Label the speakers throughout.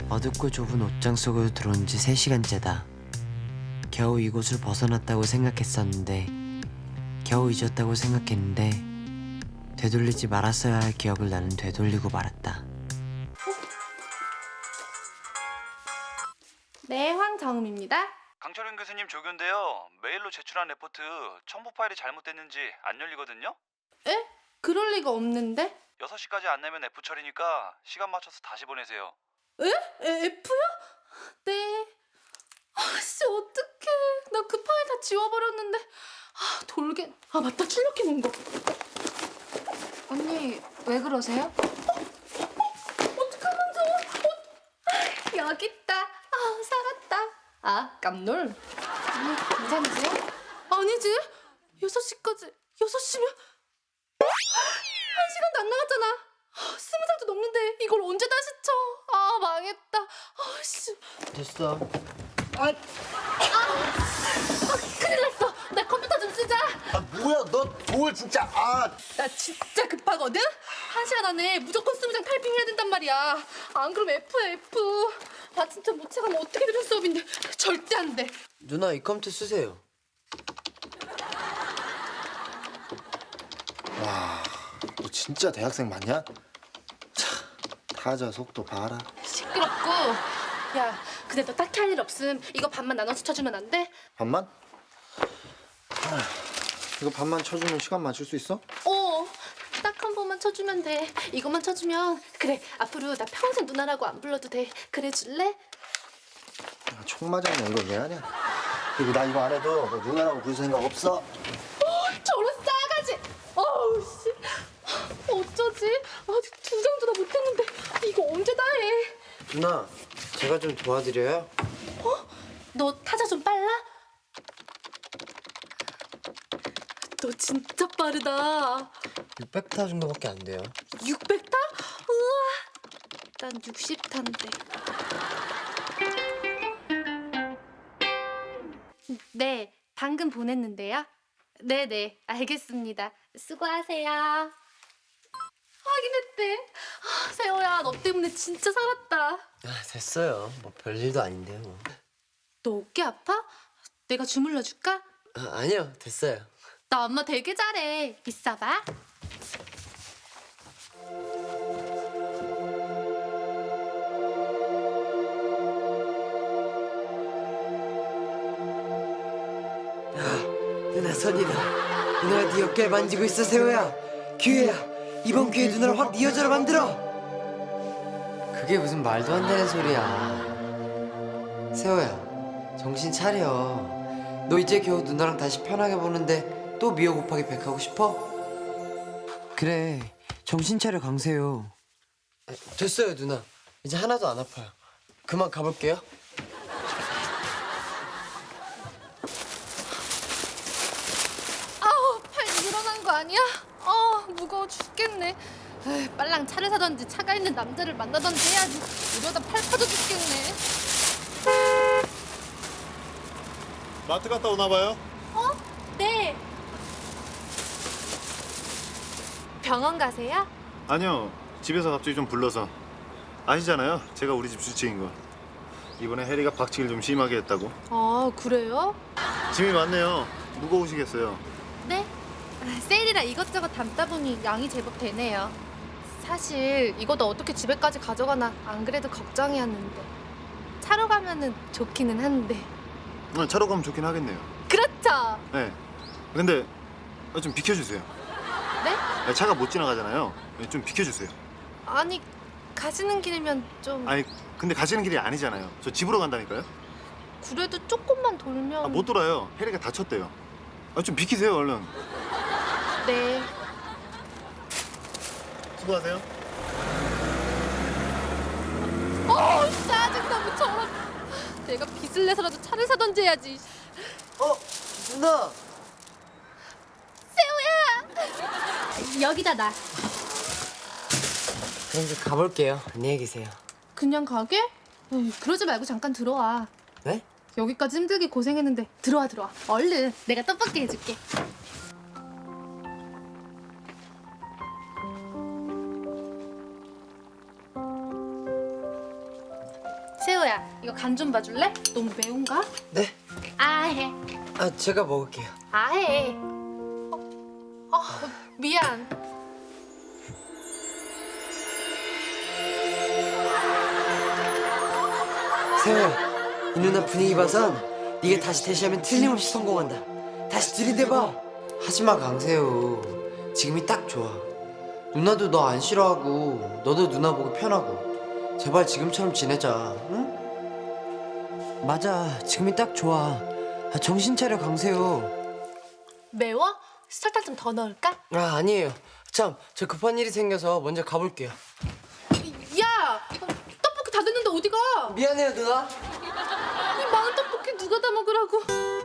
Speaker 1: 어둡고 좁은 옷장 속으로 들어온 지 3시간째다. 겨우 이곳을 벗어났다고 생각했었는데, 겨우 잊었다고 생각했는데, 되돌리지 말았어야 할 기억을 나는 되돌리고 말았다.
Speaker 2: 네, 황정음입니다.
Speaker 3: 강철윤 교수님 조교인데요. 메일로 제출한 레포트 첨부 파일이 잘못됐는지 안 열리거든요.
Speaker 2: 에? 그럴 리가 없는데?
Speaker 3: 6시까지 안 내면 F 처리니까 시간 맞춰서 다시 보내세요.
Speaker 2: F요? 네. 아씨, 어떡해. 나 그 파일 다 지워버렸는데. 아, 돌게. 아, 맞다. 출력해 놓은 거.
Speaker 4: 언니, 왜 그러세요?
Speaker 2: 어떡하면 좋아. 여기 있다. 아, 살았다. 아, 깜놀.
Speaker 4: 언니, 괜찮으세요?
Speaker 2: 아니지. 6시까지. 6시면 1시간도 안 남았잖아. 20살도 넘는데 이걸 언제 다시 쳐? 아, 망했다. 아씨.
Speaker 1: 됐어.
Speaker 2: 큰일 났어. 나 컴퓨터 좀 쓰자.
Speaker 5: 아 뭐야 너 뭘 진짜
Speaker 2: 나 진짜 급하거든? 1시간 안에 무조건 20장 타이핑해야 된단 말이야. 안 그러면 F야, F. 아, 진짜 못 채가면 어떻게 들을 수업인데. 절대 안 돼.
Speaker 1: 누나 이 컴퓨터 쓰세요.
Speaker 5: 와, 너 진짜 대학생 맞냐? 차, 타자 속도 봐라.
Speaker 2: 시끄럽고. 야, 근데 너 딱히 할 일 없음. 이거 반만 나눠서 쳐주면 안 돼?
Speaker 5: 반만? 이거 반만 쳐주면 시간 맞출 수 있어?
Speaker 2: 딱 한 번만 쳐주면 돼. 이것만 쳐주면. 그래, 앞으로 나 평생 누나라고 안 불러도 돼. 그래 줄래?
Speaker 5: 야, 총 맞았냐 이거 왜 하냐? 그리고 나 이거 안 해도 너 누나라고 부를 생각 없어?
Speaker 2: 저런 싸가지. 어우 씨. 어쩌지? 아직 2장도 다 못했는데 이거 언제 다 해?
Speaker 1: 누나, 제가 좀 도와드려요?
Speaker 2: 너 타자 좀 빨라? 너 진짜 빠르다.
Speaker 1: 600타 정도밖에 안 돼요.
Speaker 2: 600타? 우와. 난 60타인데. 네, 방금 보냈는데요. 네네, 알겠습니다. 수고하세요. 확인했대. 아, 세호야, 너 때문에 진짜 살았다.
Speaker 1: 아, 됐어요. 뭐 별일도 아닌데요. 뭐.
Speaker 2: 너 어깨 아파? 내가 주물러 줄까?
Speaker 1: 아니요, 됐어요.
Speaker 2: 나 엄마 되게 잘해. 있어봐.
Speaker 1: 누나 손이다. 누나가 네 어깨를 만지고 있어, 세호야. 기회야. 이번 기회에 누나를 확 네 여자로 만들어. 그게 무슨 말도 안 되는 소리야. 세호야, 정신 차려. 너 이제 겨우 누나랑 다시 편하게 보는데 또 미호 곱하기 100 하고 싶어? 그래, 정신 차려 강세요. 됐어요, 누나. 이제 하나도 안 아파요. 그만 가볼게요.
Speaker 2: 아우, 팔 늘어난 거 아니야? 무거워 죽겠네. 에이, 빨랑 차를 사던지 차가 있는 남자를 만나던지 해야지. 이러다 팔 파져 죽겠네.
Speaker 6: 마트 갔다 오나 봐요?
Speaker 2: 네. 병원 가세요?
Speaker 6: 아니요. 집에서 갑자기 좀 불러서. 아시잖아요. 제가 우리 집 주치인 거. 이번에 해리가 박치기를 좀 심하게 했다고.
Speaker 2: 아, 그래요?
Speaker 6: 짐이 많네요. 무거우시겠어요.
Speaker 2: 네. 세일이라 이것저것 담다 보니 양이 제법 되네요. 사실 이것도 어떻게 집에까지 가져가나 안 그래도 걱정이었는데. 차로 가면은 좋기는 한데.
Speaker 6: 차로 가면 좋긴 하겠네요.
Speaker 2: 그렇죠?
Speaker 6: 네. 근데 좀 비켜주세요.
Speaker 2: 네?
Speaker 6: 차가 못 지나가잖아요. 좀 비켜주세요.
Speaker 2: 아니, 가시는 길이면 좀.
Speaker 6: 아니 근데 가시는 길이 아니잖아요. 저 집으로 간다니까요.
Speaker 2: 그래도 조금만 돌면.
Speaker 6: 못 돌아요. 해리가 다쳤대요. 좀 비키세요 얼른.
Speaker 2: 네.
Speaker 6: 수고하세요.
Speaker 2: 짜증나, 저런. 내가 빚을 내서라도 차를 사던지 해야지.
Speaker 1: 누나!
Speaker 2: 여기다 놔.
Speaker 1: 그럼 이제 가볼게요. 안녕히 계세요.
Speaker 2: 그냥 가게? 에이, 그러지 말고 잠깐 들어와.
Speaker 1: 네?
Speaker 2: 여기까지 힘들게 고생했는데 들어와. 얼른 내가 떡볶이 해줄게. 세호야, 이거 간 좀 봐줄래? 너무 매운가?
Speaker 1: 네?
Speaker 2: 아해.
Speaker 1: 아 제가 먹을게요.
Speaker 2: 아해. 미안.
Speaker 1: 세호야, 이 누나 분위기 봐선 네가 다시 대시하면 틀림없이 성공한다. 다시 들이대봐. 하지마 강세호. 지금이 딱 좋아. 누나도 너 안 싫어하고 너도 누나 보기 편하고. 제발 지금처럼 지내자. 응? 맞아, 지금이 딱 좋아. 아, 정신 차려 강세호.
Speaker 2: 매워? 설탕 좀 더 넣을까?
Speaker 1: 아 아니에요. 참, 저 급한 일이 생겨서 먼저 가볼게요.
Speaker 2: 야! 떡볶이 다 됐는데 어디 가?
Speaker 1: 미안해요 누나.
Speaker 2: 이 많은 떡볶이 누가 다 먹으라고?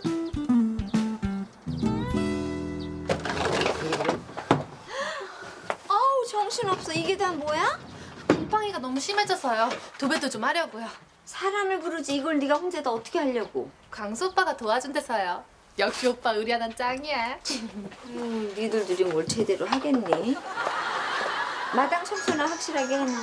Speaker 4: 아우 정신없어. 이게 다 뭐야?
Speaker 2: 곰팡이가 너무 심해져서요. 도배도 좀 하려고요.
Speaker 4: 사람을 부르지 이걸 네가 혼자 다 어떻게 하려고?
Speaker 2: 강수 오빠가 도와준대서요. 역시 오빠 의리하단 짱이야.
Speaker 4: 니들들이 뭘 제대로 하겠니? 마당 청소나 확실하게 해놔.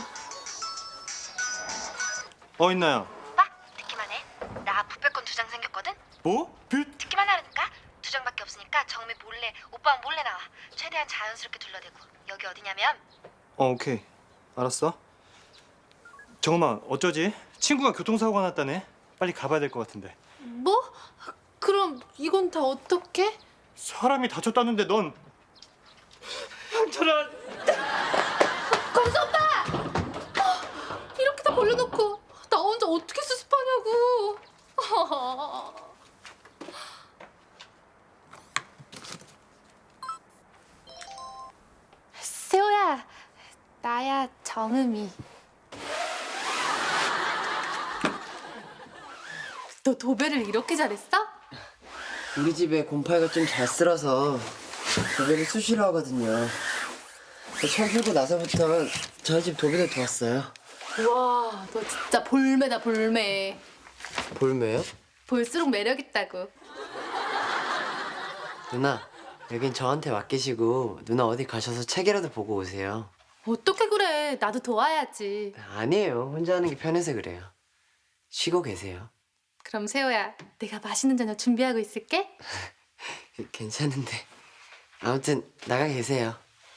Speaker 6: 있나요?
Speaker 7: 오빠 듣기만 해. 나 부패권 2장 생겼거든.
Speaker 6: 뭐?
Speaker 7: 듣기만 하라니까. 2장밖에 없으니까 정미 몰래 오빠 몰래 나와. 최대한 자연스럽게 둘러대고. 여기 어디냐면
Speaker 8: 오케이. 알았어. 정엄아, 어쩌지? 친구가 교통사고가 났다네. 빨리 가봐야 될 것 같은데.
Speaker 2: 뭐? 그럼 이건 다 어떻게?
Speaker 8: 사람이 다쳤다는데 넌... 저런...
Speaker 2: 강수 오빠! 이렇게 다 벌려놓고 나 혼자 어떻게 수습하냐고. 세호야, 나야 정음이. 너 도배를 이렇게 잘했어?
Speaker 1: 우리 집에 곰팡이가 좀 잘 쓸어서 도배를 수시로 하거든요. 처음 풀고 나서부터 저희 집 도배를 도왔어요.
Speaker 2: 와, 너 진짜 볼매다 볼매.
Speaker 1: 볼매요?
Speaker 2: 볼수록 매력 있다고.
Speaker 1: 누나, 여긴 저한테 맡기시고 누나 어디 가셔서 책이라도 보고 오세요.
Speaker 2: 어떻게 그래? 나도 도와야지.
Speaker 1: 아니에요. 혼자 하는 게 편해서 그래요. 쉬고 계세요.
Speaker 2: 그럼 세호야, 내가 맛있는 저녁 준비하고 있을게.
Speaker 1: 괜찮은데. 아무튼 나가 계세요.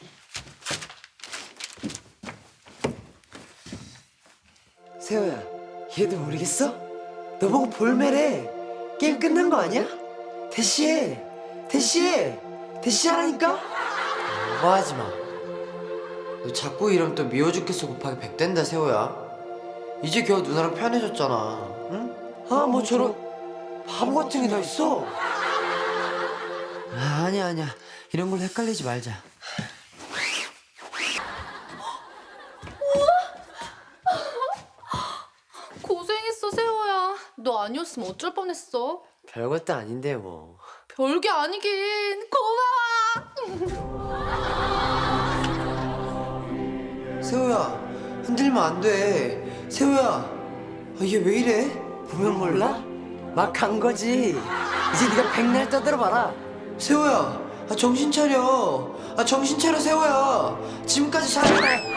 Speaker 1: 세호야, 얘도 모르겠어? 너 보고 볼매래. 게임 끝난 거 아니야? 대시해. 대시해. 대시하라니까? 오버하지 마. 너 자꾸 이러면 또 미워 죽겠어 곱하기 100 된다 세호야. 이제 겨우 누나랑 편해졌잖아. 응? 아 뭐 저런 바보 같은 게 다 있어. 아, 아니야. 이런 걸로 헷갈리지 말자.
Speaker 2: 고생했어, 세호야. 너 아니었으면 어쩔 뻔했어.
Speaker 1: 별것도 아닌데 뭐.
Speaker 2: 별게 아니긴. 고마워.
Speaker 1: 세호야, 흔들면 안 돼. 세호야, 아, 얘 왜 이래? 보면 몰라? 막 간 거지. 이제 네가 백날 떠들어봐라. 세호야, 아, 정신 차려. 아, 정신 차려 세호야. 지금까지 잘해.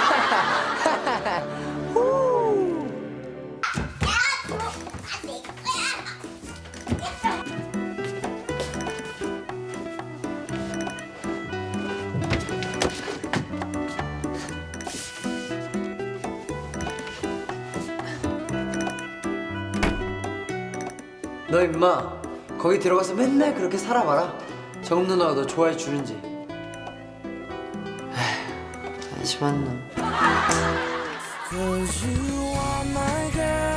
Speaker 1: 너 임마 거기 들어가서 맨날 그렇게 살아봐라. 정음 누나가 너 좋아해 주는지. 에휴, 한심한 놈.